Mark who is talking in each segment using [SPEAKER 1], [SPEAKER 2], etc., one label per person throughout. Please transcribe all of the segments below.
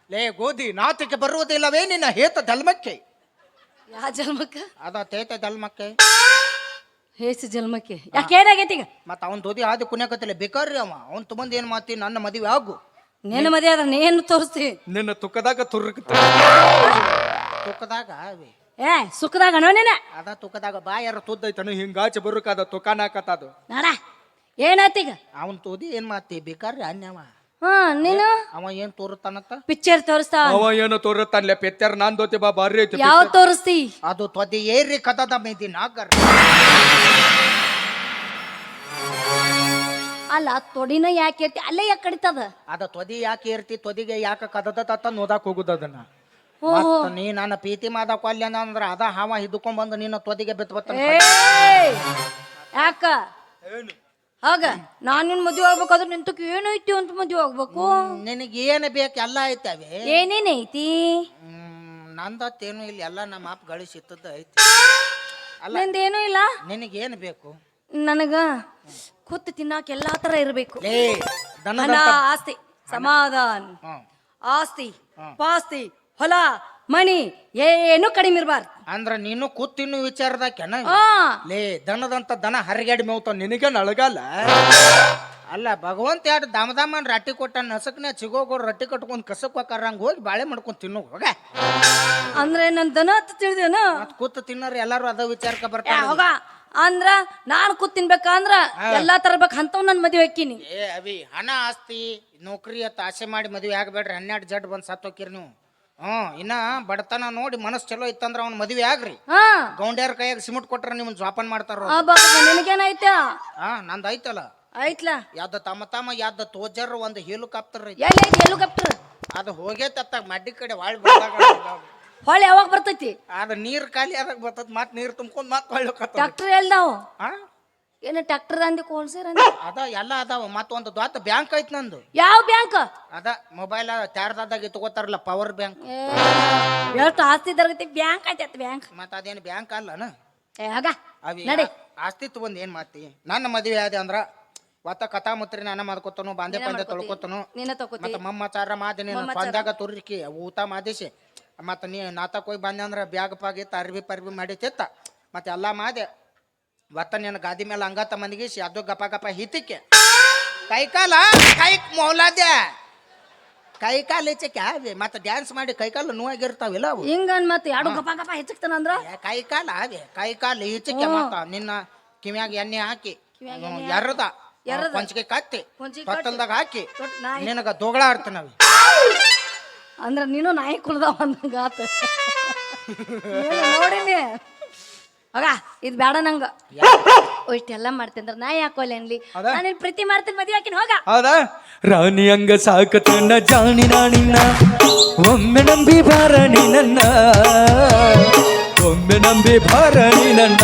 [SPEAKER 1] ಲೇ ಗೋಧಿ ನಾತಿಗೆ ಬರುವುದಿಲ್ಲವೇ ನಿನ್ನ ಹೇತ ಧಲ್ಮಕ್ಕೆ?
[SPEAKER 2] ಯಾವ ಜನ್ಮಕ್ಕ?
[SPEAKER 1] ಅದ ತೇತ ಧಲ್ಮಕ್ಕೆ
[SPEAKER 2] ಹೇಸು ಜನ್ಮಕ್ಕೆ ಯಾಕೆ ಏನಾಗೈತಿ ಈಗ?
[SPEAKER 1] ಮತ್ತ ಅವನ್ ದೋದಿ ಆದಿ ಕುಣ್ಯಾಕತ್ತಿಲ್ಲ ಬೇಕಾರ್ರಿ ಅವನ್ ತುಂಬಂದ್ ಏನ್ ಮಾತಿ ನನ್ನ ಮದುವೆ ಆಗು.
[SPEAKER 2] ನಿನ್ನ ಮದುವೆ ಆದ್ರೆ ನೀನು ತೋರಿಸ್ತಿ.
[SPEAKER 3] ನಿನ್ನ ತುಕ್ಕದಾಗ
[SPEAKER 1] ತುಕ್ಕದಾಗ ಅವಿ
[SPEAKER 2] ಏ ಸುಖದಾಗ ಅಣ್ಣನೇನ
[SPEAKER 1] ಅದ ತುಕ್ಕದಾಗ ಬಾ ಯಾರ
[SPEAKER 3] ತುದ್ದೈತನು ಹಿಂಗಾಚೆ ಬರುಕಾದ ತುಕಾನಾಕತ್ತದು.
[SPEAKER 2] ನಾಡ ಏನಾಯ್ತೀಗ?
[SPEAKER 1] ಅವನ್ ತೋದಿ ಏನ್ ಮಾತಿ ಬೇಕಾರ್ರಿ ಅನ್ಯವ
[SPEAKER 2] ಹಾ ನೀನು
[SPEAKER 1] ಅವ ಏನ್ ತೋರುತ್ತಾನತ್ತ?
[SPEAKER 2] ಪಿಕ್ಚರ್ ತೋರಿಸ್ತಾ?
[SPEAKER 3] ಅವ ಏನು ತೋರುತ್ತಾನ್ಲೆ ಪೆತ್ಯಾರ ನಾನ್ ದೋತಿ ಬಾ ಬಾರಿ ಐತಿ.
[SPEAKER 2] ಯಾವ ತೋರಿಸ್ತಿ?
[SPEAKER 1] ಅದು ತ್ವದಿ ಏರಿ ಕದದ ಮೇದಿ ನಾಗರ್.
[SPEAKER 2] ಅಲ್ಲ ತೊಡಿನ ಯಾಕೆ ಇರ್ತಿ ಅಲ್ಲೇ ಯಾಕೆ ಕಡಿತದ?
[SPEAKER 1] ಅದ ತ್ವದಿ ಯಾಕೆ ಇರ್ತಿ ತ್ವದಿಗೆ ಯಾಕೆ ಕದದ ತತ್ತ ನೋದಾಕ್ ಹೋಗುದ ಅದನ್ನ.
[SPEAKER 2] ಓಹೋ
[SPEAKER 1] ಮತ್ತ ನೀ ನನ್ನ ಪ್ರೀತಿ ಮಾದ ಕೊಲ್ಯ ಅಂದ್ರ ಅದ ಹಾವ ಹಿಡ್ಕೊಂಡ್ ಬಂದು ನಿನ್ನ ತ್ವದಿಗೆ ಬಿತ್ಬತ್ತ.
[SPEAKER 2] ಏಯ್! ಯಾಕ ಹಾಗ ನಾನ್ ನಿನ್ ಮದ್ವೆ ಆಗ್ಬೇಕಾದ್ರೆ ನಿಂತಕ್ಕೆ ಏನೈತಿ ಅಂತ ಮದ್ವೆ ಆಗ್ಬೇಕು?
[SPEAKER 1] ನಿನಗೆ ಏನ್ ಬೇಕು ಎಲ್ಲ ಐತವೆ.
[SPEAKER 2] ಏನೇನೈತಿ?
[SPEAKER 1] ನಂದತ್ತೇನು ಇಲ್ಲಿ ಎಲ್ಲ ನಮ್ಮ ಅಪ್ಪ ಗಳಿಸಿತ್ತದ ಐತಿ.
[SPEAKER 2] ನಂದೇನು ಇಲ್ಲ.
[SPEAKER 1] ನಿನಗೇನ್ ಬೇಕು?
[SPEAKER 2] ನನಗ ಕೂತು ತಿನ್ನಾಕ ಎಲ್ಲಾ ತರ ಇರ್ಬೇಕು.
[SPEAKER 1] ಲೇ
[SPEAKER 2] ಹಣ ಆಸ್ತಿ ಸಮಾಧಾನ ಆಸ್ತಿ ಪಾಸ್ತಿ ಹೊಲ ಮಣಿ ಏನು ಕಡಿಮೆ ಇರಬಾರ್ದು.
[SPEAKER 1] ಅಂದ್ರ ನೀನು ಕೂತಿನ್ನು ವಿಚಾರದಾಕೆನ?
[SPEAKER 2] ಹಾ
[SPEAKER 1] ಲೇ ದನದಂತ ದನ ಹರಿಗಾಡಿ ಮೇವ್ತಾವ ನಿನಗೆ ನಳಗಲ್ಲ. ಅಲ್ಲ ಭಗವಂತ ಎರಡು ದಾಮದಾಮನ್ ರಟ್ಟಿ ಕೊಟ್ಟ ನಸಕ್ನ ಚಿಗೋಗೋರು ರಟ್ಟಿ ಕಟ್ಕೊಂಡ್ ಕಸಕ್ ಹೋಗಾರಂಗ ಹೋಗಿ ಬಾಳೆ ಮಾಡ್ಕೊಂಡ್ ತಿನ್ನು ಹೋಗ.
[SPEAKER 2] ಅಂದ್ರೆ ನನ್ ದನ ಅಂತ ತಿಳಿದೇನ?
[SPEAKER 1] ಮತ್ ಕೂತು ತಿನ್ನೋರು ಎಲ್ಲಾರು ಅದ ವಿಚಾರಕ್ಕೆ ಬರ್ತಾರ.
[SPEAKER 2] ಹೋಗ ಅಂದ್ರ ನಾನ್ ಕೂತ್ ತಿನ್ಬೇಕಂದ್ರ ಎಲ್ಲಾ ತರಬೇಕು ಅಂತವ್ ನನ್ ಮದ್ವೆ ಹಾಕಿನಿ.
[SPEAKER 1] ಏ ಅವಿ ಹಣ ಆಸ್ತಿ ನೌಕರಿ ಅತ್ತ ಆಸೆ ಮಾಡಿ ಮದ್ವೆ ಆಗಬೇಡ್ರಿ. 12 ಜಡ್ ಬಂದ್ ಸತ್ ಹೋಕಿರಿ ನೀವು. ಇನ್ನ ಬಡತನ ನೋಡಿ ಮನಸ್ ಚಲೋ ಇತ್ತಂದ್ರ ಅವ್ನ ಮದ್ವೆ ಆಗ್ರಿ. ಗೌಂಡ್ಯಾರ ಕೈಯಾಗ ಸಿಮೆಂಟ್ ಕೊಟ್ರ ನಿಮ್ಮನ್ ಜೋಪಾನ ಮಾಡ್ತಾರ.
[SPEAKER 2] ನಿನಗೇನಾಯ್ತ?
[SPEAKER 1] ನಂದ್ ಐತಲ್ಲ
[SPEAKER 2] ಐತ್ಲಾ
[SPEAKER 1] ಯಾವ್ದ ತಮ್ಮ ಯಾವ್ದ ತೋಜರ್ ಒಂದು ಹೆಲಿಕಾಪ್ಟರ್ ಐತಿ.
[SPEAKER 2] ಎಲ್ಲೈತಿ ಹೆಲಿಕಾಪ್ಟರ್?
[SPEAKER 1] ಅದು ಹೋಗೇತತ್ತ ಮಡ್ಡಿ ಕಡೆ ವಾಳ್ ಬಂದಾಗ
[SPEAKER 2] ಹೊಳೆ ಯಾವಾಗ ಬರ್ತೈತಿ?
[SPEAKER 1] ಅದ ನೀರ್ ಖಾಲಿ ಆದಾಗ ಬರ್ತದ. ಮತ್ ನೀರ್ ತುಂಬ್ಕೊಂಡ್ ಮತ್ ಹೊಳ್ಳಿ
[SPEAKER 2] ಟ್ರಾಕ್ಟರ್ ಎಲ್ದಾವ್? ಏನ ಟ್ರಾಕ್ಟರ್ ಅಂದಿ ಕೋಲ್ಸೇರ್ ಅಂದಿ?
[SPEAKER 1] ಅದ ಎಲ್ಲ ಅದಾವ. ಮತ್ತ ಒಂದು ದೊಡ್ಡ ಬ್ಯಾಂಕ್ ಐತಿ ನಂದು.
[SPEAKER 2] ಯಾವ ಬ್ಯಾಂಕ್?
[SPEAKER 1] ಅದ ಮೊಬೈಲ್ ಚಾರ್ಜಾದಾಗ ತಗೋತಾರಲ್ಲ ಪವರ್ ಬ್ಯಾಂಕ್.
[SPEAKER 2] ಎಷ್ಟು ಆಸ್ತಿ ತರಗತಿ ಬ್ಯಾಂಕ್ ಐತಿ ಬ್ಯಾಂಕ್.
[SPEAKER 1] ಮತ್ತ ಅದೇನು ಬ್ಯಾಂಕ್ ಅಲ್ಲನ? ಅವಿ
[SPEAKER 2] ನಡಿ
[SPEAKER 1] ಆಸ್ತಿ ತಗೊಂಡ್ ಏನ್ ಮಾತಿ? ನನ್ನ ಮದುವೆ ಆದ ಅಂದ್ರ ಒತ್ತ ಕಥಾ ಮುತ್ರಿ ನಾನ ಮಾಡ್ಕೊತನು ಬಾಂದೆ ಪಂದೆ ತೊಳ್ಕೊತನು. ಮತ್ತ ಮಮ್ಮಚಾರ ಮಾದಿ ನೀನು ಸ್ವಂದಾಗ ತುರ್ಕಿ ಊಟ ಮಾದಿಸಿ ಮತ್ತ ನೀ ನಾತಕ್ ಹೋಗಿ ಬಂದೆ ಅಂದ್ರ ಬ್ಯಾಗ್ ಪಾಗಿ ಅರ್ಬಿ ಪರ್ಬಿ ಮಾಡಿತಿತ್ತ. ಮತ್ತೆ ಎಲ್ಲಾ ಮಾದೆ ಒತ್ತ ನೀನು ಗಾದಿ ಮೇಲೆ ಅಂಗಾತ ಮಂದಿಗಿಸಿ ಅದು ಗಪ ಗಪ ಹಿತಿಕೆ ಕೈಕಾಲ ಮೌಲಾದ್ಯ ಕೈಕಾಲು ಹೆಚ್ಚಕ್ಕೆ ಮತ್ತೆ ಡ್ಯಾನ್ಸ್ ಮಾಡಿ ಕೈಕಾಲು ನೋವಾಗಿರ್ತಾವಿಲ್ಲ ಅವು.
[SPEAKER 2] ಹಿಂಗನ್ ಮತ್ತೆ ಎರಡು ಗಪ ಗಪ ಹೆಚ್ಚಕ್ತಾನಂದ್ರ
[SPEAKER 1] ಕೈಕಾಲ ಕೈಕಾಲು ಈಚಕ್ಕೆ ಮತ್ತ ನಿನ್ನ ಕಿವ್ಯಾಗ ಎಣ್ಣೆ ಹಾಕಿ ಎರ್ರದ ಪಂಚಿಗೆ ಕತ್ತಿ ತೊಟ್ಟಲ್ದಾಗ ಹಾಕಿ ನಿನಗ ದೋಗಳ ಆಡ್ತಾನವಿ.
[SPEAKER 2] ಅಂದ್ರ ನೀನು ನಾಯಿ ಕುಳ್ದಾವ ಅಂದಂಗಾತ ನೋಡಿನಿ. ಆಗ ಇದ್ ಬೇಡ ನಂಗ ಇಷ್ಟೆಲ್ಲ ಮಾಡ್ತೇಂದ್ರ ನಾ ಯಾಕೋಲ್ಲ ಅನ್ಲಿ. ನಾನು ಪ್ರೀತಿ ಮಾಡ್ತೀನಿ ಮದ್ವೆ ಹಾಕಿನ ಹೋಗ.
[SPEAKER 3] ಹೌದಾ ರಾಣಿ ಹಂಗ ಸಾಕತನ ಜಾಣಿ ನಾಣಿನ ಒಮ್ಮೆ ನಂಬಿ ಬಾರಣಿ ನನ್ನ ಒಮ್ಮೆ ನಂಬಿ ಬಾರಣಿ ನನ್ನ.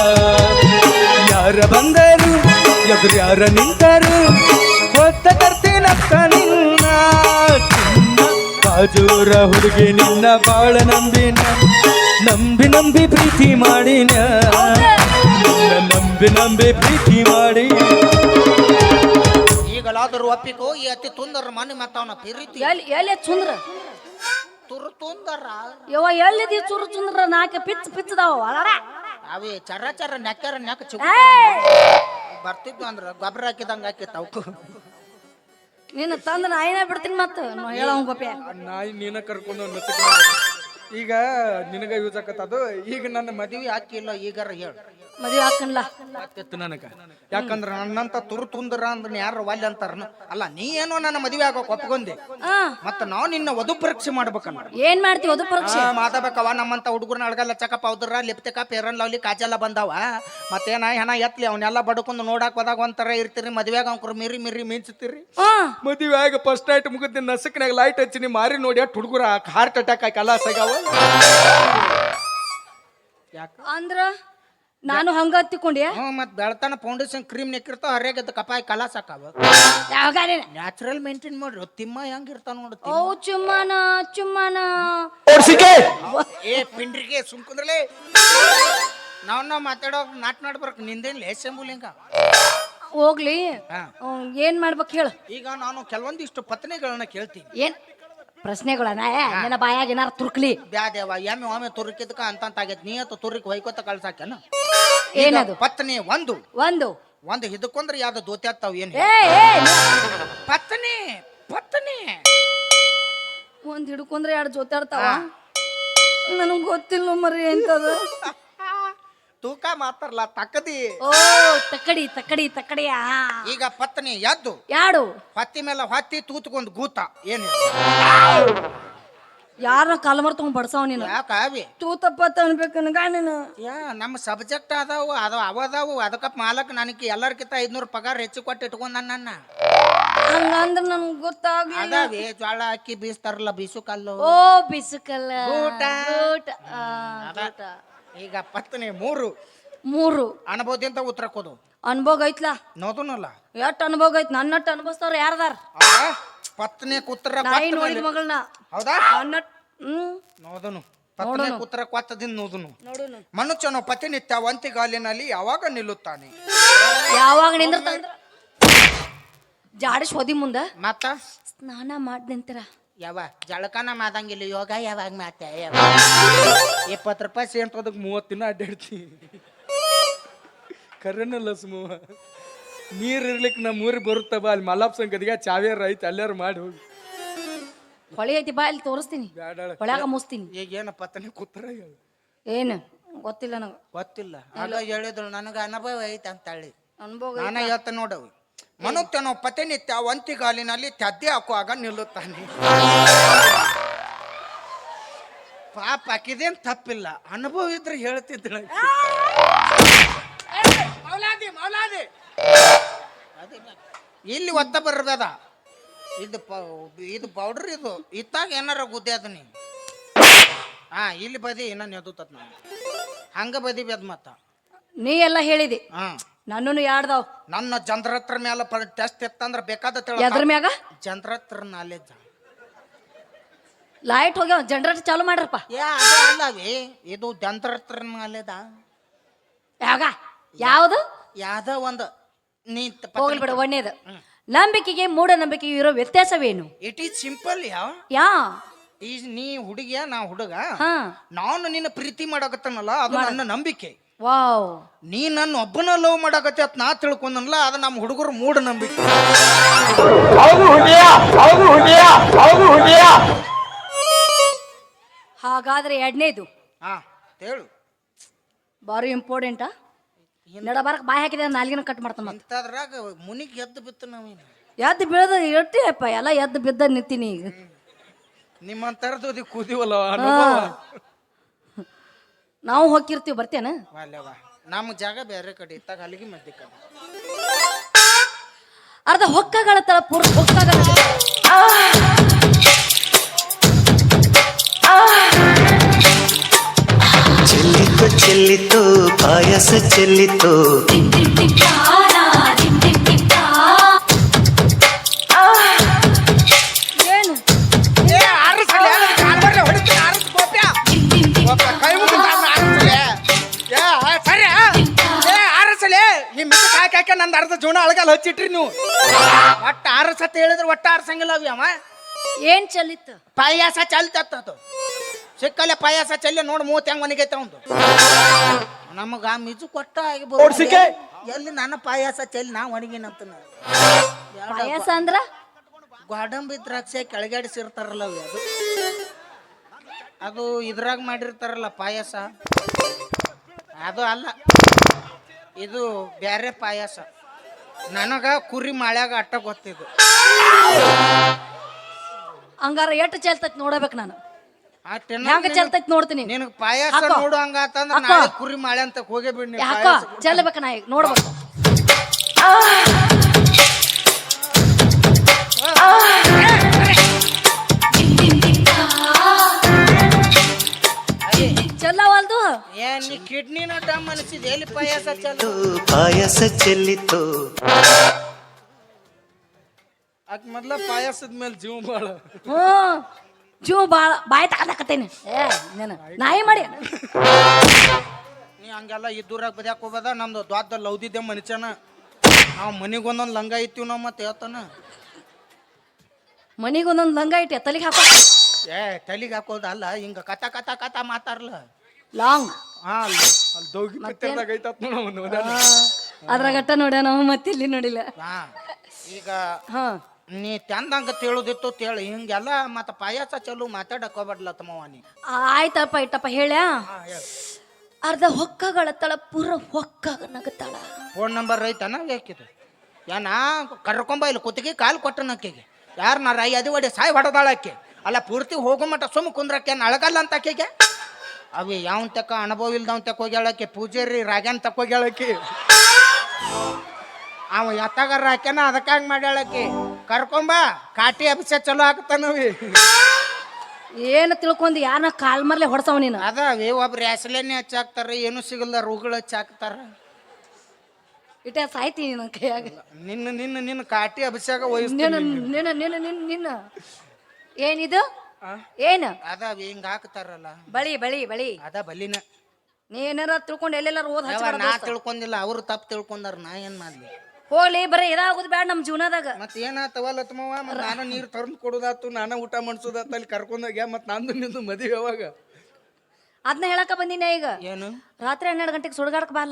[SPEAKER 3] ಯಾರ ಬಂದರು ಎದುರು ಯಾರ ನಿಂತರು ಹೊತ್ತ ತರ್ತೀನಕ್ಕ ನಿನ್ನ ಚಿನ್ನ ಬಾಜೂರ ಹುಡುಗಿ ನಿನ್ನ ಬಾಳ ನಂಬಿನ ನಂಬಿ ನಂಬಿ ಪ್ರೀತಿ ಮಾಡಿನ ನಂಬಿ ನಂಬಿ ಪ್ರೀತಿ ಮಾಡಿ.
[SPEAKER 1] ಈಗಲಾದರೂ ಒಪ್ಪಿಕೋ ಈ ಅತಿ ತುಂದರ ಮನೆ ಮತ್ತ ಅವನ ಪ್ರೀತಿ
[SPEAKER 2] ಎಲ್ಲಿ ಚುಂದ್ರ
[SPEAKER 1] ತುರು ತುಂದರ
[SPEAKER 2] ಯವ್ವ ಎಲ್ಲಿದಿ ಚುರು ಚುಂದ್ರ ನಾಕ ಪಿಚ್ ಪಿಚ್ಚದಾವ ಅಲಡ
[SPEAKER 1] ಅವೇ ಚರ ಚರ ನೆಕ್ಕರ ನೆಕ್ಕ ಚು ಬರ್ತಿದ್ವು ಅಂದ್ರ ಗೊಬ್ಬರ ಹಾಕಿದಂಗ ಹಾಕಿತ್ತ ಅವಕು.
[SPEAKER 2] ನೀನು ತಂದ ನಾಯಿನ ಬಿಡ್ತೀನಿ ಮತ್ತ ಹೇಳ ಗೋಪ್ಯ
[SPEAKER 3] ನಾಯಿ ನೀನ ಕರ್ಕೊಂಡು ಈಗ ನಿನಗ ಯೂಸ್ ಆಕತ್ತದು. ಈಗ ನನ್ನ
[SPEAKER 1] ಮದುವೆ ಹಾಕಿಲ್ಲ ಈಗಾರ ಹೇಳು
[SPEAKER 2] ಮದುವೆ ಹಾಕನ್ಲ
[SPEAKER 3] ನನಗ.
[SPEAKER 1] ಯಾಕಂದ್ರ ನನ್ನಂತ ತುರು ತುಂದರ ಅಂದ್ರ ಯಾರ ವಾಲ್ಯ ಅಂತಾರ. ಅಲ್ಲ ನೀ ಏನೋ ನನ್ನ ಮದುವೆ ಆಗೋಕ್ ಒಪ್ಕೊಂಡೆ ಮತ್ತ ನಾವ್ ನಿನ್ನ ವಧು ಪರೀಕ್ಷೆ ಮಾಡ್ಬೇಕಲ್ಲ.
[SPEAKER 2] ಏನ್ ಮಾಡ್ತೀವಿ ವಧು ಪರೀಕ್ಷೆ?
[SPEAKER 1] ಮಾತಾಡ್ಬೇಕವ ನಮ್ಮಂತ ಹುಡುಗರ್ನ ಅಳಗಲ್ಲ ಚಕ ಪೌದ್ರ ಲಿಪ್ತಿಕ ಫೇರನ್ ಲವ್ಲಿ ಕಾಜೆಲ್ಲ ಬಂದಾವ. ಮತ್ತೇನ ಹೆಣ ಎತ್ಲಿ ಅವನ್ನೆಲ್ಲ ಬಡ್ಕೊಂಡು ನೋಡಾಕ್ ಹೋದಾಗ ಒಂಥರ ಇರ್ತೀರಿ. ಮದ್ವೆಗ ಅವ್ರ ಮಿರಿ ಮಿರಿ ಮಿಂಚ್ತೀರಿ.
[SPEAKER 3] ಮದುವೆ ಆಗ ಫಸ್ಟ್ ನೈಟ್ ಮುಗಿದ ನಸಕ್ನಾಗ ಲೈಟ್ ಹಚ್ಚಿ ಮಾರಿ ನೋಡಿ ಅಟ್ ಹುಡುಗರ ಹಾರ್ಟ್ ಅಟ್ಯಾಕ್ ಆಗಿ ಕಲಾಸಾಗವ.
[SPEAKER 2] ಅಂದ್ರ ನಾನು ಹಂಗ ಹತ್ತಿಕೊಂಡೆ.
[SPEAKER 1] ಮತ್ ಬೆಳತನ ಫೌಂಡೇಶನ್ ಕ್ರೀಮ್ ನೆಕ್ಕಿರ್ತಾವ ಹರಿಯಾಗದ ಕಪಾಯಿ ಕಲಾಸ ಆಕಾವ. ನ್ಯಾಚುರಲ್ ಮೇಂಟೈನ್ ಮಾಡ್ರಿ. ತಿಮ್ಮ ಹೆಂಗಿರ್ತಾವ ನೋಡು.
[SPEAKER 2] ಓ ಚುಮ್ಮನ ಚುಮ್ಮನ
[SPEAKER 1] ಏ ಪಿಂಡ್ರಿಗೆ ಸುಮ್ಕುಂದ್ರಲೇ ನಾವ್ ಮಾತಾಡೋ ನಾಟ್ನಾಡ್ಬರ್ಕ್ ನಿಂದೇನ್ ಲೇಸಂಬುಲಿಂಗ
[SPEAKER 2] ಹೋಗ್ಲಿ. ಏನ್ ಮಾಡ್ಬೇಕು ಹೇಳು.
[SPEAKER 1] ಈಗ ನಾನು ಕೆಲವೊಂದಿಷ್ಟು ಪತ್ನಿಗಳನ್ನ ಕೇಳ್ತೀನಿ.
[SPEAKER 2] ಏನ್ ಪ್ರಶ್ನೆಗಳ ನಿನ್ನ ಬಾಯಾಗ ಏನಾರ ತುರ್ಕ್ಲಿ
[SPEAKER 1] ಬ್ಯಾದೇವ ಎಮ್ಮೆ ಒಮ್ಮೆ ತುರುಕಿದ್ಕ ಅಂತ ಆಗೈತಿ ನೀ ಅಂತ ತುರುಕಿ ಹೊಯ್ಕೋತ ಕಳ್ಸಾಕೇನ
[SPEAKER 2] ಏನದು
[SPEAKER 1] ಪತ್ನಿ ಒಂದು
[SPEAKER 2] ಒಂದು
[SPEAKER 1] ಒಂದು ಹಿಡ್ಕೊಂಡ್ರೆ ಯಾವ್ದು ದೋತಿ ಆಗ್ತಾವ ಏನ್
[SPEAKER 2] ಏ ಏ
[SPEAKER 1] ಪತ್ನಿ ಪತ್ನಿ
[SPEAKER 2] ಒಂದ್ ಹಿಡ್ಕೊಂಡ್ರೆ ಎರಡು ಜೊತಾಡ್ತಾವ ನನಗ್ ಗೊತ್ತಿಲ್ಲ ಮರಿ ಎಂತದ
[SPEAKER 1] ತೂಕ ಮಾತಾರಲ್ಲ ತಕ್ಕದಿ
[SPEAKER 2] ಓ ತಕ್ಕಡಿ ತಕ್ಕಡಿ ತಕ್ಕಡಿಯ
[SPEAKER 1] ಈಗ ಪತ್ನಿ ಎದ್ದು
[SPEAKER 2] ಯಾಡು
[SPEAKER 1] ಹೊತ್ತಿ ಮೇಲೆ ಹೊತ್ತಿ ತೂತ್ಕೊಂಡ್ ಗೂತ ಏನು
[SPEAKER 2] ಯಾರ ಕಾಲಮರ್ ತಗೊಂಡ್ ಬಡ್ಸವ ನೀನು
[SPEAKER 1] ಯಾಕ ಅವಿ
[SPEAKER 2] ತೂತಪ್ಪ ಅನ್ಬೇಕು ನನಗ ನೀನು
[SPEAKER 1] ಯಾ ನಮ್ಮ ಸಬ್ಜೆಕ್ಟ್ ಅದಾವು ಅವದಾವು ಅದಕ್ಕ ಮಾಲಕ್ ನನಗೆ ಎಲ್ಲರ್ಕಿಂತ 500 ಪಗಾರ ಹೆಚ್ಚು ಕೊಟ್ಟು ಇಟ್ಕೊಂಡ ನನ್ನ
[SPEAKER 2] ಹಂಗಂದ್ರ ನನ್ಗ್ ಗೊತ್ತಾಗ್ಲಿಲ್ಲ
[SPEAKER 1] ಅದಾವಿ ಜ್ವಾಳ ಅಕ್ಕಿ ಬೀಸ್ತಾರಲ್ಲ ಬೀಸು ಕಲ್ಲು
[SPEAKER 2] ಓ ಬಿಸುಕಲ್ಲ
[SPEAKER 1] ಗೂಟ.
[SPEAKER 2] ಗೂಟ. ಆ,
[SPEAKER 1] ಅದ.
[SPEAKER 2] ಗೂಟ.
[SPEAKER 1] ಈಗ ಪತ್ನಿ ಮೂರು
[SPEAKER 2] ಮೂರು
[SPEAKER 1] ಅನುಭವದಿಂದ ಉತ್ತರ ಕೊಡು
[SPEAKER 2] ಅನ್ಭೋಗ ಐತ್ಲಾ
[SPEAKER 1] ನೋದುನಲ್ಲ
[SPEAKER 2] ಎಷ್ಟ್ ಅನುಭೋಗ ಐತ್ ನನ್ನಟ್ಟು ಅನುಭವಿಸ್ತಾರ ಯಾರದಾರ
[SPEAKER 1] ಹೌದಾ ಪತ್ನಿ ಉತ್ತರ
[SPEAKER 2] ನಾಯಿ ನೋಡಿದ ಮಗಳನ್ನ
[SPEAKER 1] ಹೌದಾ
[SPEAKER 2] ನನ್ನಟ್
[SPEAKER 1] ನೋದನು ಪತ್ನಿ ಉತ್ತರ ಕೊತ್ತದಿಂದ ನೋದನು
[SPEAKER 2] ನೋಡುನು
[SPEAKER 1] ಮನುಷ್ಯನು ಪ್ರತಿನಿತ್ಯ ಒಂತಿಗಾಲಿನಲ್ಲಿ ಯಾವಾಗ ನಿಲ್ಲುತ್ತಾನೆ
[SPEAKER 2] ಯಾವಾಗ ನಿಂದಿರ್ತಾಂದ್ರ ಜಾಡಿಸ್ ಹೋದಿ ಮುಂದ
[SPEAKER 1] ಮತ್ತ
[SPEAKER 2] ಸ್ನಾನ ಮಾಡ್ದಂತರ
[SPEAKER 1] ಯಾವ ಜಳಕನ ಮಾದಂಗಿಲ್ಲ ಯೋಗ ಯಾವಾಗ ಮಾತ 20 ರೂಪಾಯಿ ಸೇಂತದಕ್ಕೆ 30 ದಿನ ಅಡ್ಡಾಡ್ತಿ ಕರೆನಲ್ಲ ಸುಮ್ಮ ನೀರ್ ಇರ್ಲಿಕ್ಕೆ ನಮ್ಮ ಊರಿಗೆ ಬರುತ್ತ ಬಾ ಅಲ್ಲಿ ಮಲ್ಲಾಪ್ ಸಂಗದಿಗೆ ಚಾವೇರ್ ಐತಿ ಅಲ್ಲಾರು ಮಾಡಿ ಹೋಗಿ
[SPEAKER 2] ಹೊಳಿ ಐತಿ ಬಾ ಇಲ್ಲಿ ತೋರಿಸ್ತೀನಿ ಹೊಳ್ಯಾಗ ಮುಸ್ತೀನಿ
[SPEAKER 1] ಈಗ ಏನ ಪತ್ನಿ ಕೂತ್ರ
[SPEAKER 2] ಏನು ಗೊತ್ತಿಲ್ಲ ನನಗ
[SPEAKER 1] ಗೊತ್ತಿಲ್ಲ ಆಗ ಹೇಳಿದ್ರು ನನಗ ಅನುಭವ ಐತಿ ಅಂತ ಹೇಳಿ
[SPEAKER 2] ಅನುಭೋಗ
[SPEAKER 1] ನಾನ ಹೇಳ್ತ ನೋಡವು ಮನುಷ್ಯನು ಪ್ರತಿನಿತ್ಯ ಒಂತಿಗಾಲಿನಲ್ಲಿ ತದ್ದೆ ಹಾಕುವಾಗ ನಿಲ್ಲುತ್ತಾನೆ ಪಾಪ ಆಕಿದೇನ್ ತಪ್ಪಿಲ್ಲ ಅನುಭವ ಇದ್ರೆ ಹೇಳ್ತಿದ್ದ ಇಲ್ಲಿ ಒತ್ತ ಬರ್ಬೇದ ಇದು ಪೌಡರ್ ಇದು ಇತ್ತಾಗ ಏನಾರ ಗುದ್ದೆ ಅದ ನೀ ಇಲ್ಲಿ ಬದಿ ಏನ ನೆದತತ್ ನಾನು ಹಂಗ ಬದಿ ಬೇದ ಮತ್ತ
[SPEAKER 2] ನೀ ಎಲ್ಲ ಹೇಳಿದಿ ನನ್ನೂ ಯಾಡ್ದಾವ್
[SPEAKER 1] ನನ್ನ ಜಂತ್ರತ್ರ ಮ್ಯಾಲ ಟೆಸ್ಟ್ ಇತ್ತಂದ್ರ ಬೇಕಾದ
[SPEAKER 2] ಎದ್ರ ಮ್ಯಾಗ
[SPEAKER 1] ಜಂತ್ರತ್ರ ನಾಲೆಜ್
[SPEAKER 2] ಲೈಟ್ ಹೋಗ್ಯಾವ ಜನರೇಟರ್ ಚಾಲು ಮಾಡ್ರಪ್ಪ
[SPEAKER 1] ಅಲ್ಲವಿ ಇದು ಜಂತ್ರತ್ರ ನಾಲೆದ
[SPEAKER 2] ಯಾಗ ಯಾವುದು
[SPEAKER 1] ಯಾವ್ದ ಒಂದು ನೀ
[SPEAKER 2] ಹೋಗ್ಲಿ ಬಿಡ ಒಣ್ಣೇದು ನಂಬಿಕೆಗೆ ಮೂಢನಂಬಿಕೆಗೆ ಇರೋ ವ್ಯತ್ಯಾಸವೇನು
[SPEAKER 1] ಇಟ್ ಈಸ್ ಸಿಂಪಲ್
[SPEAKER 2] ಯಾ
[SPEAKER 1] ಈ ನೀ ಹುಡುಗಿಯ ನಾ ಹುಡುಗ
[SPEAKER 2] ಹಾ
[SPEAKER 1] ನಾನು ನಿನ್ನ ಪ್ರೀತಿ ಮಾಡಕತ್ತನಲ್ಲ ಅದು ನನ್ನ ನಂಬಿಕೆ
[SPEAKER 2] ವಾವ್
[SPEAKER 1] ನೀ ನನ್ನ ಒಬ್ಬನ ಲವ್ ಮಾಡಕತ್ತೆ ಅತ್ ನಾ ತಿಳ್ಕೊಂಡನಲ್ಲ ಅದು ನಮ್ಮ ಹುಡುಗರು ಮೂಢ ನಂಬಿಕೆ
[SPEAKER 2] ಹಾಗಾದ್ರೆ ಎರಡನೇದು
[SPEAKER 1] ಹೇಳು
[SPEAKER 2] ಬಾರಿ ಇಂಪಾರ್ಟೆಂಟಾ ನಡಬಾರಕ್ ಬಾಯಿ ಹಾಕಿದೆ ನಾಲ್ಗಿನ ಕಟ್ ಮಾಡ್ತಾನ
[SPEAKER 1] ಇಂಥದ್ರಾಗ ಮುನಿಗೆ ಎದ್ದು ಬಿತ್ತು ನಾವೇನು
[SPEAKER 2] ಎದ್ದು ಬೀಳದ ಇರ್ತೀಯಪ್ಪ ಎಲ್ಲ ಎದ್ದು ಬಿದ್ದ ನಿಂತೀನಿ ಈಗ
[SPEAKER 1] ನಿಮ್ಮಂತರದ್ದು ಕೂದಿವಲ್ಲ
[SPEAKER 2] ನಾವು ಹೋಗಿರ್ತೀವಿ ಬರ್ತೇನ
[SPEAKER 1] ಅಲ್ಲವಾ ನಮ್ಮ ಜಾಗ ಬೇರೆ ಕಡೆ ಇತ್ತಾಗ ಅಲ್ಲಿಗೆ ಮಧ್ಯ ಕಡೆ
[SPEAKER 2] ಅರ್ಧ ಹೊಕ್ಕಗಳ ತರ ಪೂರ್ಣ ಹೊಕ್ಕಗಳ
[SPEAKER 4] ಚೆಲ್ಲಿತು ಚೆಲ್ಲಿತು ಪಾಯಸ ಚೆಲ್ಲಿತು
[SPEAKER 2] ಏನು
[SPEAKER 1] ನಂದು ಅರ್ಧ ಜೋಣ ಅಳಗಲ್ಲ ಹಚ್ಚಿಟ್ರಿ ನೀವು ಒಟ್ಟ ಆರಸತ್ ಹೇಳಿದ್ರೆ ಒಟ್ಟ ಆರ್ಸಂಗಿಲ್ಲ ಅವಿ ಅವ
[SPEAKER 2] ಏನ್ ಚಲಿತ್ತು
[SPEAKER 1] ಪಾಯಾಸ ಚಲ್ತತ್ತು ಸಿಕ್ಕಲ್ಲೇ ಪಾಯಾಸ ಚೆಲ್ಲಿ ನೋಡಿ ಮೂವತ್ತು ಹೆಂಗ್ ಮನೆಗೈತೆ ಅವಂದು ನಮಗ ಮಿಜು ಕೊಟ್ಟ ಆಗಿರ್ಬೋದು ಎಲ್ಲಿ ನನ್ನ ಪಾಯಾಸ ಚೆಲ್ಲಿ ನಾ ಒಣಗಿನಂತ
[SPEAKER 2] ಪಾಯಸ ಅಂದ್ರ
[SPEAKER 1] ಗೋಡಂಬಿ ದ್ರಾಕ್ಷಿ ಕೆಳಗಾಡಿಸಿರ್ತಾರಲ್ಲ ಅವು ಅದು ಇದ್ರಾಗ ಮಾಡಿರ್ತಾರಲ್ಲ ಪಾಯಸ ಅದು ಅಲ್ಲ ಇದು ಬ್ಯಾರೆ ಪಾಯಸ ನನಗ ಕುರಿ ಮಾಳ್ಯಾಗ ಅಟ್ಟ ಗೊತ್ತಿದ್ದು
[SPEAKER 2] ಹಂಗಾರ ಎಷ್ಟು ಚೆಲ್ತೈತಿ ನೋಡಬೇಕು ನಾನು ಹೆಂಗ ಚೆಲ್ತೈತಿ ನೋಡ್ತೀನಿ
[SPEAKER 1] ನಿನಗೆ ಪಾಯಸ ನೋಡು ಹಂಗಂತಂದ್ರೆ ನಾಳೆ ಕುರಿ ಮಾಳೆ ಅಂತ ಹೋಗೇ ಬಿಡಿ
[SPEAKER 2] ಯಾಕೋ ಚೆಲ್ಲಬೇಕು ನಾ ಈಗ ನೋಡ್ಬೇಕು ಚೆಲ್ಲವಲ್ದು
[SPEAKER 1] ನೀ ಕಿಡ್ನಿ ನಟ ಮನಸ್ಸಿದೆ ಎಲ್ಲಿ ಪಾಯಸ ಚೆಲ್ಲು
[SPEAKER 4] ಪಾಯಸ ಚೆಲ್ಲಿತು
[SPEAKER 1] ಅದ್ ಮೊದ್ಲ ಪಾಯಸದ ಮೇಲೆ ಜೀವ ಬಾಳ
[SPEAKER 2] ಜೀವ ಬಾಳ ಬಾಯಿ ತಗದಾಕತ್ತೇನೆ ನಾಯಿ ಮಾಡಿ
[SPEAKER 1] ನೀ ಹಂಗೆಲ್ಲ ಇದ್ದೂರಾಗ ಬದ್ಯಾಕ ಹೋಗೋದ ನಮ್ದು ದ್ವಾದ ಲೌದಿದ್ದೆ ಮನುಷ್ಯನ ನಾವು ಮನಿಗೊಂದೊಂದು ಲಂಗ ಇತ್ತೀವಿ ನಾವು ಮತ್ತೆ ಹೇಳ್ತಾನ
[SPEAKER 2] ಮನಿಗೆ ಒಂದೊಂದು ಲಂಗ ಇಟ್ಟು ತಲೆಗೆ ಹಾಕೋ
[SPEAKER 1] ಏ ತಲೆಗೆ ಹಾಕೋದು ಅಲ್ಲ ಹಿಂಗ ಕಥ ಮಾತಾಡ್ಲ
[SPEAKER 2] ಲಾಂಗ್
[SPEAKER 3] ಹಾ ಅಲ್ಲಿ ದೋಗಿ ಪಿಕ್ಚರ್ದಾಗ ಐತತ್ ನೋಡ
[SPEAKER 2] ಅದ್ರಾಗಟ್ಟ ನೋಡ್ಯ ನಾವು ಮತ್ತೆ ಇಲ್ಲಿ ನೋಡಿಲ್ಲ.
[SPEAKER 1] ಹಾ ಈಗ
[SPEAKER 2] ಹಾ
[SPEAKER 1] ನೀ ತಂದಂಗ ತಿಳುದಿತ್ತು ತೇಳಿ ಹಿಂಗೆಲ್ಲ ಮತ್ತ ಪಾಯಸ ಚಲು ಮಾತಾಡಕ್ ಹೋಗ್ಬಾರ್ಲ ತಮ್ಮವ್ವ ನೀ.
[SPEAKER 2] ಆಯ್ತಪ್ಪ ಇಟ್ಟಪ್ಪ ಹೇಳ್ಯಾ. ಅರ್ಧ ಹೊಕ್ಕಗಳತ್ತಳ ಪೂರ ಹೊಕ್ಕಾಗ ನಗತ್ತಾಳ.
[SPEAKER 1] ಫೋನ್ ನಂಬರ್ ಐತನ ಬೇಕಿದು ಏನ ಕರ್ಕೊಂಬ ಇಲ್ಲಿ ಕುತ್ತಿಗೆ ಕಾಲು ಕೊಟ್ಟನ ಆಕೆಗೆ ಯಾರನ್ನಾರ ಅದು ಒಡೆ ಸಾಯಿ ಹೊಡೆದಾಳ ಆಕೆ ಅಲ್ಲ ಪೂರ್ತಿ ಹೋಗೋ ಮಟ್ಟ ಸುಮ್ಮ ಕುಂದ್ರಕ್ಕೆ ಅಳಗಲ್ಲ ಅಂತ ಆಕೆಗೆ ಅವಿ ಯಾವನ್ ತಕ್ಕ ಅನುಭವ ಇಲ್ದವನ್ ತಕ್ಕ ಹೋಗ್ಯಾಳಕ್ಕೆ ಪೂಜಾರಿ ರಾಗ್ಯಾನ್ ತಕ್ಕ ಹೋಗ್ಯಾಳಕ್ಕೆ ಅವ ಎತ್ತಗಾರ ಹಾಕ್ಯಾನ ಅದಕ್ಕಾಗ ಮಾಡ್ಯಾಳಕ್ಕೆ ಕರ್ಕೊಂಬ ಕಾಟಿ ಅಭಿಷೇಕ ಚಲೋ ಆಗ್ತಾನವಿ.
[SPEAKER 2] ಏನು ತಿಳ್ಕೊಂಡಿ ಯಾರನ್ನ ಕಾಲ್ ಮರ್ಲೆ ಹೊಡ್ಸವ ನೀನು.
[SPEAKER 1] ಅದಾವಿ ಒಬ್ರು ಹೆಸಲೇನೆ ಹಚ್ಚಾಕ್ತಾರ ಏನು ಸಿಗಲ್ಲ ರೋಗಗಳು ಹಚ್ಚಾಕ್ತಾರ.
[SPEAKER 2] ಇಟ್ಟ ಸಾಯ್ತಿ ನಿನ್ನ ಕೈಯಾಗ.
[SPEAKER 1] ನಿನ್ನ ನಿನ್ನ ನಿನ್ನ ಕಾಟಿ ಅಭಿಷೇಕ
[SPEAKER 2] ನಿನ್ನ
[SPEAKER 1] ವಹಿಸ್ತೀನಿ
[SPEAKER 2] ನಿನ್ನ ನಿನ್ನ ನಿನ್ನ ನಿನ್ನ ಏನಿದು ಏನು
[SPEAKER 1] ಅದಾವಿ ಹಿಂಗ ಹಾಕ್ತಾರಲ್ಲ
[SPEAKER 2] ಬಳಿ ಬಳಿ ಬಳಿ
[SPEAKER 1] ಅದ ಬಲಿನ
[SPEAKER 2] ನೀ ಏನಾರ ತಿಳ್ಕೊಂಡು ಎಲ್ಲೆಲ್ಲಾರು ಓದ್
[SPEAKER 1] ನಾ ತಿಳ್ಕೊಂಡಿಲ್ಲ ಅವ್ರು ತಪ್ಪು ತಿಳ್ಕೊಂಡಾರ ನಾ ಏನ್ ಮಾಡ್ಲಿ.
[SPEAKER 2] ಹೋಗ್ಲಿ ಬರೀ ಇದಾಗೋದು ಬೇಡ ನಮ್ಮ ಜೀವನದಾಗ.
[SPEAKER 1] ಮತ್ ಏನಾತವಲ್ಲ ತಮ್ಮವ ಮತ್ ನಾನು ನೀರು ತಂದು ಕೊಡೋದಾತು ನಾನು ಊಟ ಮಾಡಿಸೋದಾತ ಅಲ್ಲಿ ಕರ್ಕೊಂಡೋಗ್ಯ ಮತ್ ನಂದು ನಿಂದು ಮದುವೆ ಯಾವಾಗ
[SPEAKER 2] ಅದನ್ನ ಹೇಳಕ ಬಂದಿನ ಈಗ.
[SPEAKER 1] ಏನು
[SPEAKER 2] ರಾತ್ರಿ 12 ಗಂಟೆಗೆ ಸುಡ್ಗಾಡಕ್ ಬಾಲ.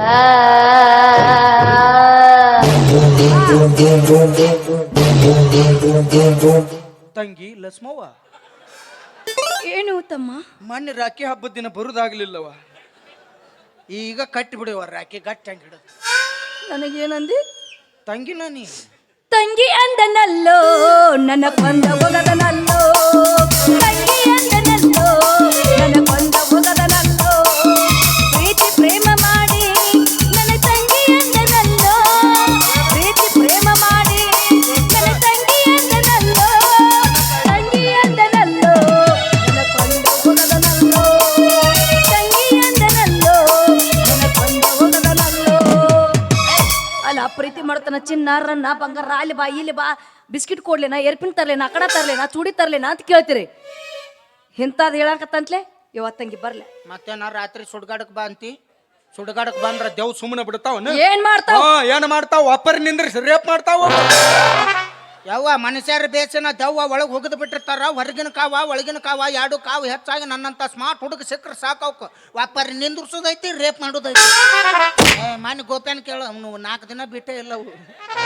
[SPEAKER 1] ತಂಗಿ ಲಸ್ಮವ್ವ
[SPEAKER 2] ಏನು ತಮ್ಮ
[SPEAKER 1] ಮೊನ್ನೆ ರಾಖಿ ಹಬ್ಬದ ದಿನ ಬರುದಾಗ್ಲಿಲ್ಲವ ಈಗ ಕಟ್ಟಿ ಬಿಡುವ ರಾಖಿ ಗಟ್ಟಿ ಹಂಗೆ ಹಿಡಿದು
[SPEAKER 2] ನನಗೇನಂದಿ
[SPEAKER 1] ತಂಗಿನ ನೀ
[SPEAKER 2] ತಂಗಿ ಅಂದನಲ್ಲೋ ನನ್ನ ಕೊಂದ ಒಗದನಲ್ಲೋ ತಂಗಿ ಅಂದನಲ್ಲೋ ನನ್ನ ಕೊಂದ ಒಗದನಲ್ಲೋ ಪ್ರೀತಿ ಪ್ರೇಮ ಮಾಡಿ ನನ್ನ ತಂಗಿ ಅಂದನಲ್ಲೋ ಪ್ರೀತಿ ಪ್ರೇಮ ಮಾಡಿ ನನ್ನ ತಂಗಿ ಅಂದನಲ್ಲೋ ತಂಗಿ ಅಂದನಲ್ಲೋ ನನ್ನ ಕೊಂದ ಒಗದನಲ್ಲೋ ತಂಗಿ ಅಂದನಲ್ಲೋ ನನ್ನ ಕೊಂದ ಒಗದನಲ್ಲೋ. ಅಲ್ಲ ಪ್ರೀತಿ ಮಾಡ್ತಾನ ಚಿನ್ನಾರನ್ನ ಬಂಗಾರ ಅಲ್ಲಿ ಬಾ ಇಲ್ಲಿ ಬಾ ಬಿಸ್ಕಿಟ್ ಕೊಡ್ಲೇನಾ ಏರ್ಪಿನ್ ತರ್ಲೇನಾ ಅಕಡ ತರ್ಲೇನಾ ಚೂಡಿ ತರ್ಲೇನಾ ಅಂತ ಕೇಳ್ತೀರಿ. ಇಂಥದ್ದು ಹೇಳಕತ್ತಂತ್ಲೆ ಇವತ್ತಂಗಿ ಬರ್ಲೆ
[SPEAKER 1] ಮತ್ತೇನ ರಾತ್ರಿ ಸುಡ್ಗಾಡಕ್ ಬಾ ಅಂತಿ ಸುಡ್ಗಾಡಕ್ ಬಂದ್ರ ದೇವ್ ಸುಮ್ಮನೆ ಬಿಡ್ತಾವ
[SPEAKER 2] ಏನ್ ಮಾಡ್ತಾವ
[SPEAKER 3] ಏನ್ ಮಾಡ್ತಾವ ಒಪ್ಪರ್ ನಿಂದ್ರಿಸಿ ರೇಪ್ ಮಾಡ್ತಾವ.
[SPEAKER 1] ಯವ್ವ ಮನುಷ್ಯರ ಬೇಸನ ದೆವ್ವ ಒಳಗೆ ಹೋಗದ್ ಬಿಟ್ಟಿರ್ತಾರ ಹೊರಗಿನ ಕಾವ ಒಳಗಿನ ಕಾವ ಎರಡು ಕಾವು ಹೆಚ್ಚಾಗಿ ನನ್ನಂತ ಸ್ಮಾರ್ಟ್ ಹುಡುಗ ಸಿಕ್ಕರೆ ಸಾಕವ್ಕ ವಾಪರ್ ನಿಂದ್ರಿಸೋದೈತಿ ರೇಪ್ ಮಾಡೋದೈತಿ. ಮನೆ ಗೋಪ್ಯಾನ್ ಕೇಳ ಅವ್ನು 4 ದಿನ ಬಿಟ್ಟೇ ಇಲ್ಲ ಅವು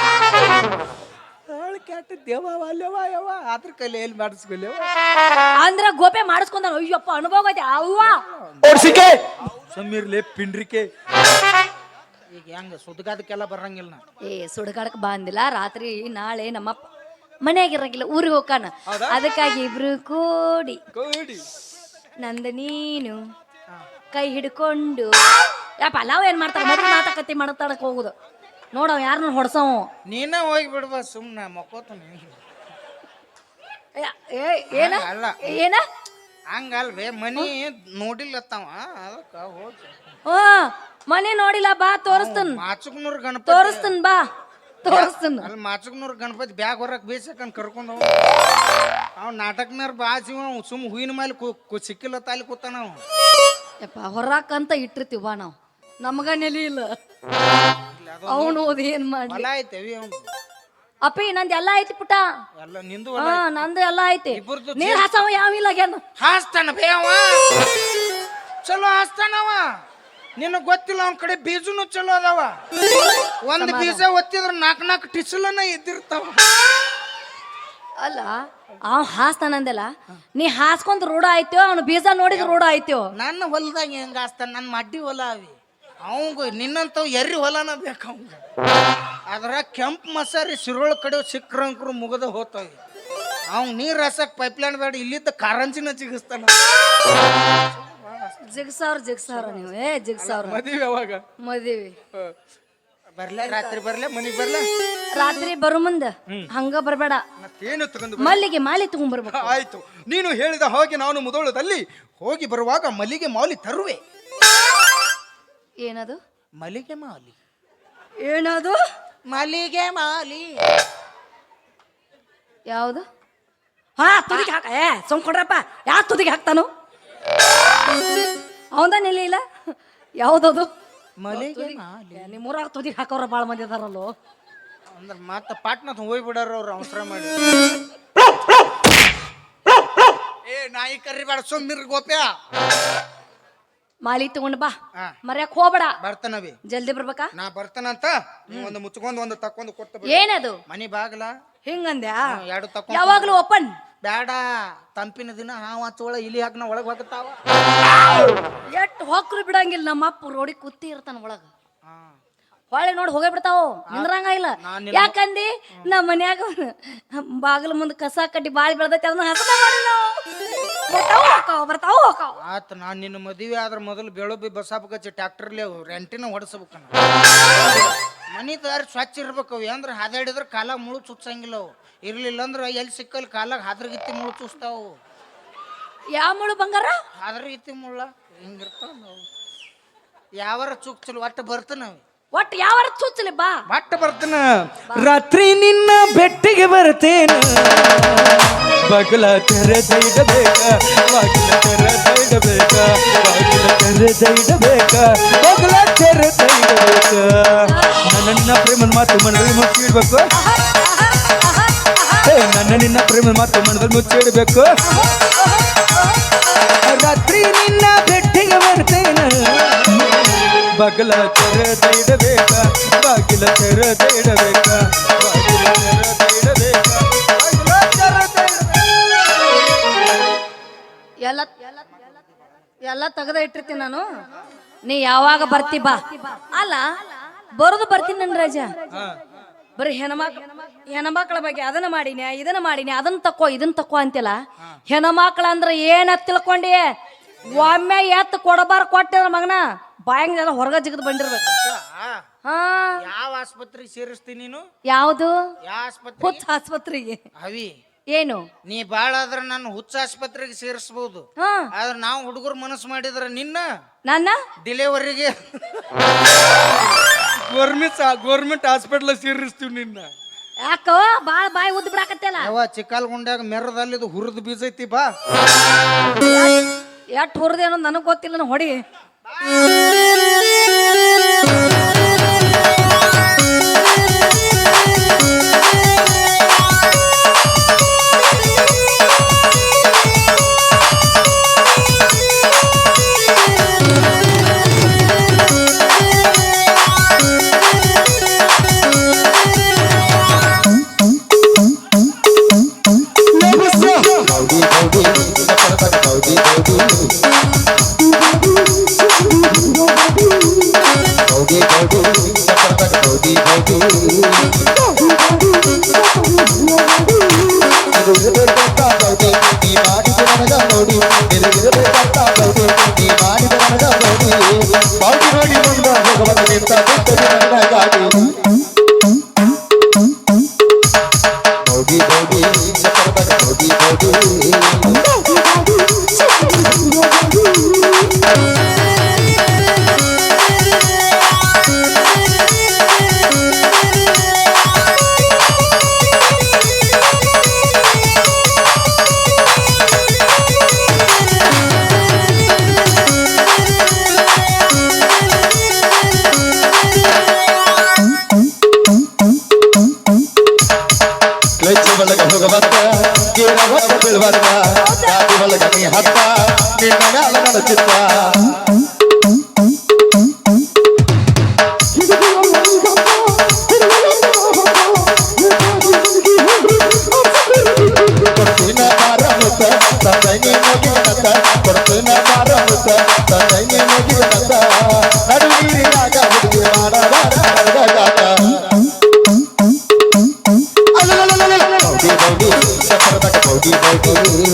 [SPEAKER 1] ಕೆಟ್ಟ ದೇವ ಅಲ್ಲವ ಯವ್ವ ಅದ್ರ ಕೈಲಿ ಎಲ್ಲಿ ಮಾಡಿಸ್ಕೊಲ್ಯವ
[SPEAKER 2] ಅಂದ್ರ ಗೋಪೆ ಮಾಡಿಸ್ಕೊಂಡ ಅಯ್ಯಪ್ಪ ಅನುಭವ ಐತಿ ಅವ್ವ
[SPEAKER 3] ಸಮೀರ್ಲೆ ಪಿಂಡ್ರಿಕೆ
[SPEAKER 1] ಈಗ ಹೆಂಗ ಸುದ್ಗಾದಕ್ಕೆಲ್ಲ ಬರಂಗಿಲ್ಲ ನಾ
[SPEAKER 2] ಸುಡಗಾಡಕ್ ಬಂದಿಲ್ಲ ರಾತ್ರಿ ನಾಳೆ ನಮ್ಮ ಮನೆಯಾಗಿರಂಗಿಲ್ಲ ಊರಿಗೆ ಹೋಗಾನ ಅದಕ್ಕಾಗಿ ಇಬ್ರು ಕೂಡಿ ನಂದ ನೀನು ಕೈ ಹಿಡ್ಕೊಂಡು ಯಪ್ಪ ಅಲಾವ್ ಏನ್ ಮಾಡ್ತಾರ ಮೊದಲು ಮಾತಾಕತ್ತಿ ಮಾತಾಡಕ್ ಹೋಗುದು ನೋಡವ್ ಯಾರನ್ನ ಹೊಡ್ಸವ
[SPEAKER 1] ನೀನ ಹೋಗಿ ಬಿಡ್ಬ ಸುಮ್ನ ಮಕ್ಕೋತೀನಿ
[SPEAKER 2] ಏನ
[SPEAKER 1] ಅಲ್ಲ
[SPEAKER 2] ಏನ
[SPEAKER 1] ಹಂಗಲ್ವೇ ಮನಿ ನೋಡಿಲ್ಲತ್ತವ ಅದಕ್ಕ ಹೋಗಿ
[SPEAKER 2] ಮನೆ ನೋಡಿಲ್ಲ ಬಾ ತೋರಿಸ್ತನ್
[SPEAKER 1] ಮಾಚುಕ್ನೂರ್ ಗಣಪತಿ
[SPEAKER 2] ತೋರಿಸ್ತನ್ ಬಾ ತೋರಿಸ್ತನ್
[SPEAKER 1] ಅಲ್ಲಿ ಮಾಚುಕ್ನೂರ್ ಗಣಪತಿ ಬ್ಯಾಗ್ ಹೊರಕ್ ಬೇಸಕಂಡ್ ಕರ್ಕೊಂಡು ಅವ್ ನಾಟಕನಾರ ಬಾಜಿವ ಸುಮ್ ಹೂವಿನ ಮೇಲೆ ಸಿಕ್ಕಿಲ್ಲ ತಾಲಿ ಕೂತಾನ ಅವ
[SPEAKER 2] ಯಪ್ಪ ಹೊರಾಕಂತ ಇಟ್ಟಿರ್ತೀವ ಬಾ ನಾವು ನಮಗ ನೆಲಿ ಇಲ್ಲ ಅವನು ಓದಿ ಏನ್ ಮಾಡಿ
[SPEAKER 1] ಹೊಲ ಐತೆವಿ ಅವ್ನು
[SPEAKER 2] ಅಪ್ಪಿ ನಂದು ಎಲ್ಲ ಐತಿ ಪುಟ
[SPEAKER 1] ಎಲ್ಲ ನಿಂದು
[SPEAKER 2] ಹಾ ನಂದು ಎಲ್ಲ ಐತಿ
[SPEAKER 1] ಇಬ್ಬರದು
[SPEAKER 2] ನೀರ್ ಹಾಸವ ಯಾವಿಲ್ಲ
[SPEAKER 1] ಹಾಸ್ತಾನ ಬೇ ಅವ ಚಲೋ ಹಾಸ್ತಾನವ ನಿನಗ್ ಗೊತ್ತಿಲ್ಲ ಅವ್ನ ಕಡೆ ಬೀಜನು ಚಲೋ ಅದಾವ ಒಂದ್ ಬೀಜ ಒತ್ತಿದ್ರ 4 ಟಿಸಲನ ಇದ್ದಿರ್ತಾವ
[SPEAKER 2] ಅಲ್ಲ ಅವ್ ಹಾಸ್ತಾನಂದಲ್ಲ ನೀ ಹಾಸ್ಕೊಂಡ್ ರೂಢ ಆಯ್ತೋ ಅವ್ನು ಬೀಜ ನೋಡಿದ್ ರೂಢ ಆಯ್ತೋ
[SPEAKER 1] ನನ್ನ ಹೊಲದಾಗ ಹೆಂಗ ಹಾಸ್ತಾನ ನನ್ನ ಮಡ್ಡಿ ಹೊಲ ಅವಿ ಅವಂಗ ನಿನ್ನಂತವ್ ಎರ್ರಿ ಹೊಲನ ಬೇಕು ಅವಂಗ ಅದ್ರ ಕೆಂಪು ಮಸಾರಿ ಸಿರೋಳ ಕಡೆ ಸಿಕ್ರಂಕ್ರು ಮುಗದ ಹೋತಾವ ಅವ್ನ್ ನೀರ್ ಹಸಕ್ ಪೈಪ್ಲೈನ್ ಬೇಡ ಇಲ್ಲಿದ್ದ ಕಾರಂಜಿನ ಜಿಗಿಸ್ತಾನ
[SPEAKER 2] ಜಿಗ್ಸಾವ್ರ ನೀವು ಜಿಗ್ಸಾವ್ರ
[SPEAKER 3] ಮದುವೆ ಯಾವಾಗ
[SPEAKER 2] ಮದುವೆ
[SPEAKER 1] ಬರ್ಲೆ ರಾತ್ರಿ ಬರ್ಲೆ ಮನಿಗ್ ಬರ್ಲೆ
[SPEAKER 2] ರಾತ್ರಿ ಬರು ಮುಂದ ಹಂಗ ಬರ್ಬೇಡ
[SPEAKER 3] ಮತ್ತೇನು ತಗೊಂಡು
[SPEAKER 2] ಮಲ್ಲಿಗೆ ಮಾಲಿ ತಗೊಂಡ್ಬರ್ಬೇಕು
[SPEAKER 3] ಆಯ್ತು ನೀನು ಹೇಳಿದ ಹಾಗೆ ನಾನು ಮುದೋಳದಲ್ಲಿ
[SPEAKER 1] ಹೋಗಿ ಬರುವಾಗ ಮಲ್ಲಿಗೆ ಮಾಲಿ ತರುವೆ
[SPEAKER 2] ಏನದು
[SPEAKER 1] ಮಲ್ಲಿಗೆ ಮಾಲಿ
[SPEAKER 2] ಏನದು
[SPEAKER 1] ಮಲ್ಲಿಗೆ ಮಾಲಿ
[SPEAKER 2] ಯಾವುದು ಹಾ ತುದಿಗೆ ಹಾಕ ಕೊಡ್ರಪ್ಪ ಯಾ ತುದಿಗೆ ಹಾಕ್ತಾನು ಅವಂದ ನೆಲೆ ಇಲ್ಲ ಯಾವ್ದದು
[SPEAKER 1] ಮಲ್ಲಿಗೆ ಮಾಲಿ
[SPEAKER 2] ನಿಮ್ಮೂರಾಗ ತುದಿಗೆ ಹಾಕೋರ ಭಾಳ ಮಂದಿ ಅದಾರಲ್ಲೋ
[SPEAKER 1] ಅಂದ್ರೆ ಮತ್ತೆ ಪಾಟ್ನ ಹೋಗಿ ಬಿಡಾರ ಅವ್ರು ಅವಸರ ಮಾಡಿ ನಾಯಿ ಕರಿಬೇಡ ಸುಮ್ಮಿರ್ ಗೋಪ್ಯ
[SPEAKER 2] ಮಾಲಿ ತಗೊಂಡ್ ಬಾ
[SPEAKER 1] ಹಾ.
[SPEAKER 2] ಮರ್ಯಾಕ್ ಹೋಗ್ಬೇಡ
[SPEAKER 1] ಬರ್ತಾನವಿ
[SPEAKER 2] ಜಲ್ದಿ ಬರ್ಬೇಕಾ
[SPEAKER 1] ನಾ ಬರ್ತಾನಂತ ನೀವ್ ಒಂದು ಮುಚ್ಕೊಂಡ್ ಒಂದು ತಕ್ಕೊಂಡ್ ಕೊಟ್ಟು
[SPEAKER 2] ಏನದು
[SPEAKER 1] ಮನಿ ಬಾಗ್ಲ
[SPEAKER 2] ಹಿಂಗಂದ್ಯಾ
[SPEAKER 1] ಎರಡು ತಕ್ಕೊಂಡ್
[SPEAKER 2] ಯಾವಾಗ್ಲೂ ಓಪನ್
[SPEAKER 1] ಬ್ಯಾಡ ತಂಪಿನ ದಿನ ಹಾವು ಹಚ್ಚೋಳ ಇಲಿ ಹಾಕ್ನ ಒಳಗ್ ಹೋಗುತ್ತಾವ
[SPEAKER 2] ಎಟ್ ಹೊಕ್ರು ಬಿಡಂಗಿಲ್ಲ ನಮ್ಮ ಅಪ್ಪ ರೋಡಿ ಕುತ್ತಿ ಇರ್ತಾನ ಒಳಗ ಹೊಳೆ ನೋಡಿ ಹೋಗೇ ಬಿಡ್ತಾವ ನಿಂದ್ರಂಗ ಇಲ್ಲ ಯಾಕಂದಿ ನಮ್ಮ ಮನ್ಯಾಗ ಬಾಗಿಲ ಮುಂದೆ ಕಸ ಕಡ್ಡಿ ಬಾಳಿ ಬೆಳ್ದೈತಿ ಅದನ್ನ ಹಸದ ಮಾಡಿ ನಾವು ಬರ್ತಾವ ಹೋಕಾವ
[SPEAKER 1] ಆತ ನಾನ್ ನಿನ್ನ ಮದುವೆ ಆದ್ರ ಮೊದಲು ಬೆಳಬಿ ಬಸಾಬಕಚ್ಚಿ ಟ್ಯಾಕ್ಟರ್ಲಿ ರೆಂಟಿನ ಹೊಡ್ಸಬೇಕನ್ನ ಮನಿ ದಾರಿ ಸ್ವಚ್ಛ ಇರ್ಬೇಕು ಅವು ಅಂದ್ರೆ ಹಾದಾಡಿದ್ರೆ ಕಾಲಾಗ ಮುಳು ಚುಚ್ಚಂಗಿಲ್ಲ ಅವು ಇರ್ಲಿಲ್ಲ ಅಂದ್ರೆ ಎಲ್ಲಿ ಸಿಕ್ಕಲ್ಲಿ ಕಾಲಾಗ ಹಾದ್ರಗಿತ್ತಿ ಮುಳು ಚುಚ್ತಾವು
[SPEAKER 2] ಯಾವ ಮುಳು ಬಂಗಾರ
[SPEAKER 1] ಹಾದ್ರಗಿತ್ತಿ ಮುಳ್ಳ ಹಿಂಗಿರ್ತಾವ ನಾವು ಯಾವಾರ ಚುಚ್ಚಲು ಒಟ್ಟು ಬರ್ತಾನವಿ
[SPEAKER 2] ಒಟ್ಟು ಯಾವ ಚುಚ್ಚಲಿ ಬಾ
[SPEAKER 1] ಒಟ್ಟು ಬರ್ತಾನ
[SPEAKER 3] ರಾತ್ರಿ ನಿನ್ನ ಬೆಟ್ಟಿಗೆ ಬರ್ತೇನೆ ಬಗಲ ತೆರೆದೈಡಬೇಕ ಬಾಗಿಲ ತೆರೆದೈಡಬೇಕ ಬಾಗಿಲ ತೆರೆದೈಡಬೇಕ ಬಗಲ ತೆರೆದೈಡಬೇಕ ನನ್ನ ಪ್ರೇಮನ ಮಾತು ಮನದಲ್ಲಿ ಮುಚ್ಚಿಡ್ಬೇಕು ನನ್ನ ನಿನ್ನ ಪ್ರೇಮನ ಮಾತು ಮನದಲ್ಲಿ ಮುಚ್ಚಿಡ್ಬೇಕು ರಾತ್ರಿ ನಿನ್ನ ಬೆಟ್ಟಿಗೆ ಬರ್ತೇನೆ ಬಗಲ ತೆರೆದೈಡಬೇಕ ಬಾಗಿಲ ತೆರೆದೈಡಬೇಕ ಬಾಗಿಲ ತೆರೆದೈಡಬೇಕ
[SPEAKER 2] ಎಲ್ಲ ತೆಗೆದ ಇಟ್ಟಿರ್ತೀನಿ ನಾನು ನೀ ಯಾವಾಗ ಬರ್ತಿ ಬಾ ಅಲ್ಲ ಬರೋದು ಬರ್ತೀನಿ ನನ್ ರಾಜ ಬರೀ ಹೆಣ್ಮಕ್ಳ ಬಗ್ಗೆ ಅದನ್ನ ಮಾಡಿನಿ ಇದನ್ನ ಮಾಡಿನಿ ಅದನ್ನ ತಕೋ ಇದನ್ನ ತಕೋ ಅಂತಿಲ್ಲ ಹೆಣ್ಮಕ್ಳ ಅಂದ್ರ ಏನ ತಿಳ್ಕೊಂಡಿ ಒಮ್ಮೆ ಎತ್ತು ಕೊಡಬಾರ ಕೊಟ್ಟಿದ್ರ ಮಗನ ಬಾಯಂಗೆಲ್ಲ ಹೊರಗ ಜಿಗದ್ ಬಂದಿರ್ಬೇಕು ಹಾ
[SPEAKER 1] ಯಾವ ಆಸ್ಪತ್ರೆಗೆ ಸೇರಿಸ್ತೀನಿ ನೀನು
[SPEAKER 2] ಯಾವುದು
[SPEAKER 1] ಯಾವ ಆಸ್ಪತ್ರೆ
[SPEAKER 2] ಹುಚ್ಚ ಆಸ್ಪತ್ರೆಗೆ
[SPEAKER 1] ಅವಿ
[SPEAKER 2] ಏನು
[SPEAKER 1] ನೀ ಬಾಳ ಆದ್ರ ನಾನು ಹುಚ್ಚ ಆಸ್ಪತ್ರೆಗೆ ಸೇರಿಸಬಹುದು
[SPEAKER 2] ಹಾ
[SPEAKER 1] ಆದ್ರೆ ನಾವು ಹುಡುಗರು ಮನಸ್ಸು ಮಾಡಿದ್ರ ನಿನ್ನ
[SPEAKER 2] ನನ್ನ
[SPEAKER 1] ಡಿಲಿವರಿಗೆ
[SPEAKER 3] ಗೌರ್ಮೆಂಟ್ ಹಾಸ್ಪಿಟಲ್ ಸೇರಿಸ್ತೀವಿ ನಿನ್ನ
[SPEAKER 2] ಯಾಕೋ ಬಾಳ ಬಾಯಿ ಉದ್ದ ಬಿಡಾಕತ್ತಲ್ಲ
[SPEAKER 1] ಯಾವ ಚಿಕ್ಕಲ್ಗುಂಡ್ಯಾಗ ಮೆರದಲ್ಲಿ ಹುರಿದು ಬೀಜ ಐತಿ ಬಾ
[SPEAKER 2] ಎಟ್ ಹುರಿದೆ ಅನ್ನೋದು ನನಗ್ ಗೊತ್ತಿಲ್ಲ ಹೊಡಿ
[SPEAKER 5] Body,